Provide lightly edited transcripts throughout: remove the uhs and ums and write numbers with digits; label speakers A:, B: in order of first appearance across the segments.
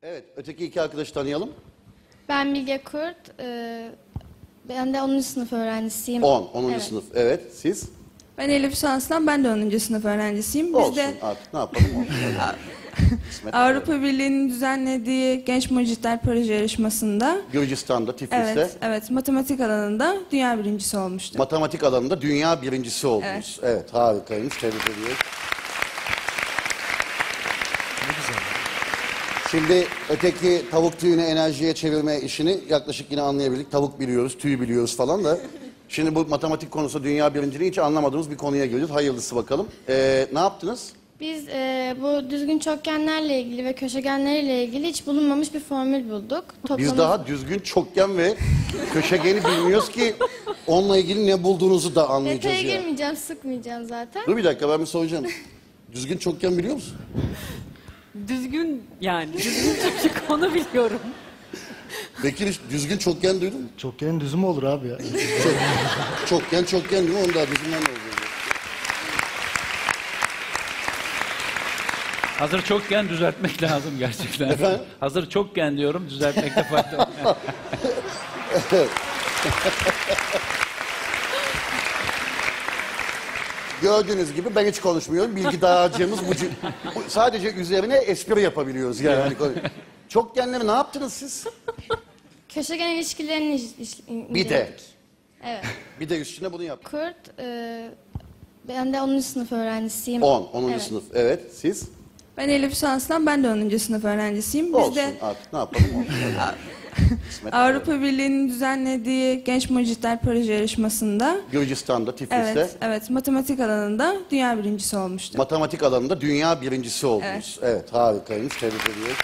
A: Evet, öteki iki arkadaşı tanıyalım.
B: Ben Bilge Kurt. Ben de 10. sınıf öğrencisiyim.
A: 10.
B: Evet.
A: sınıf. Evet, siz?
C: Ben Elif Şanslan, ben de 10. sınıf öğrencisiyim. Biz
A: Olsun
C: de
A: artık ne yapalım? Kısmet.
C: Avrupa Birliği'nin düzenlediği Genç Mucitler Proje yarışmasında
A: Gürcistan'da, Tiflis'te
C: evet matematik alanında dünya birincisi olmuştu.
A: matematik alanında dünya birincisi oldunuz. Evet, harikaymış. Tebrik ediyoruz. Şimdi öteki tavuk tüyünü enerjiye çevirme işini yaklaşık yine anlayabildik. Tavuk biliyoruz, tüy biliyoruz falan da. Şimdi bu matematik konusu dünya birinciliği hiç anlamadığımız bir konuya geliyoruz. Hayırlısı bakalım. Ne yaptınız?
B: Biz bu düzgün çokgenlerle ilgili ve köşegenlerle ilgili hiç bulunmamış bir formül bulduk.
A: Biz daha düzgün çokgen ve köşegeni bilmiyoruz ki onunla ilgili ne bulduğunuzu da anlayacağız
B: Detaya
A: ya.
B: girmeyeceğim, sıkmayacağım zaten.
A: Dur bir dakika, ben bir soracağım. Düzgün çokgen biliyor musun?
D: Düzgün yani. Düzgün çocuk onu biliyorum.
A: Bekir hiç düzgün çokgen duydun mu?
E: Çokgenin düzü mü olur abi ya?
A: Çokgen değil mi? Onu daha düzgünden ne oluyor?
F: Hazır çokken düzeltmek lazım gerçekten.
A: Efendim?
F: Hazır çokken diyorum, düzeltmekte fayda var.
A: Gördüğünüz gibi ben hiç konuşmuyorum. Bilgi dağarcığımız bu sadece üzerine espri yapabiliyoruz yani. Çokgenleri ne yaptınız siz?
B: Köşegen ilişkilerini
A: Bir de.
B: inceledik. Evet.
A: Bir de üstüne bunu yap.
B: Kurt, ben de 10. sınıf öğrencisiyim.
A: 10.
B: Evet.
A: sınıf. Evet, siz?
C: Ben Elif Şanslan, ben de 10. sınıf öğrencisiyim. Biz
A: Olsun
C: de
A: artık ne yapalım? Kısmet.
C: Avrupa Birliği'nin düzenlediği Genç Mucitler Proje yarışmasında
A: Gürcistan'da, Tiflis'te
C: evet matematik alanında dünya birincisi olmuştu.
A: matematik alanında dünya birincisi oldunuz. Evet, harikaymış. Tebrik ediyoruz.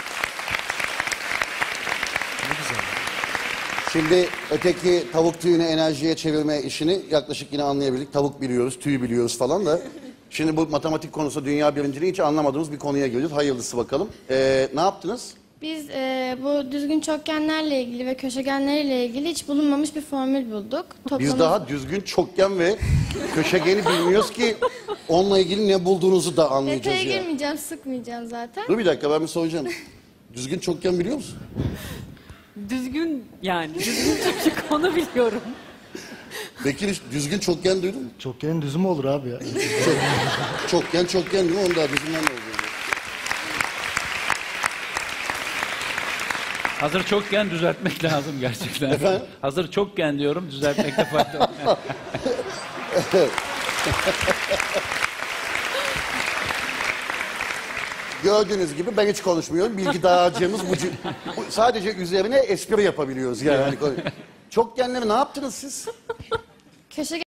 A: Şimdi öteki tavuk tüyünü enerjiye çevirme işini yaklaşık yine anlayabildik. Tavuk biliyoruz, tüy biliyoruz falan da. Şimdi bu matematik konusu dünya birinciliği hiç anlamadığımız bir konuya geliyoruz. Hayırlısı bakalım. Ne yaptınız?
B: Biz bu düzgün çokgenlerle ilgili ve köşegenlerle ilgili hiç bulunmamış bir formül bulduk.
A: Biz daha düzgün çokgen ve köşegeni bilmiyoruz ki onunla ilgili ne bulduğunuzu da anlayacağız
B: Detaya
A: ya.
B: girmeyeceğim, sıkmayacağım zaten.
A: Dur bir dakika, ben bir soracağım. Düzgün çokgen biliyor musun?
D: Düzgün yani. Düzgün çocuk onu biliyorum.
A: Bekir hiç düzgün çokgen duydun mu?
E: Çokgenin düzü mü olur abi ya?
A: Çokgen değil mi? Onu daha düzgünden ne oluyor?
F: Hazır çokken düzeltmek lazım gerçekten.
A: Efendim?
F: Hazır çokken diyorum, düzeltmekte fayda var.
A: Gördüğünüz gibi ben hiç konuşmuyorum. Bilgi dağarcığımız bu sadece üzerine espri yapabiliyoruz yani. Çokgenleri ne yaptınız siz?
B: Köşegen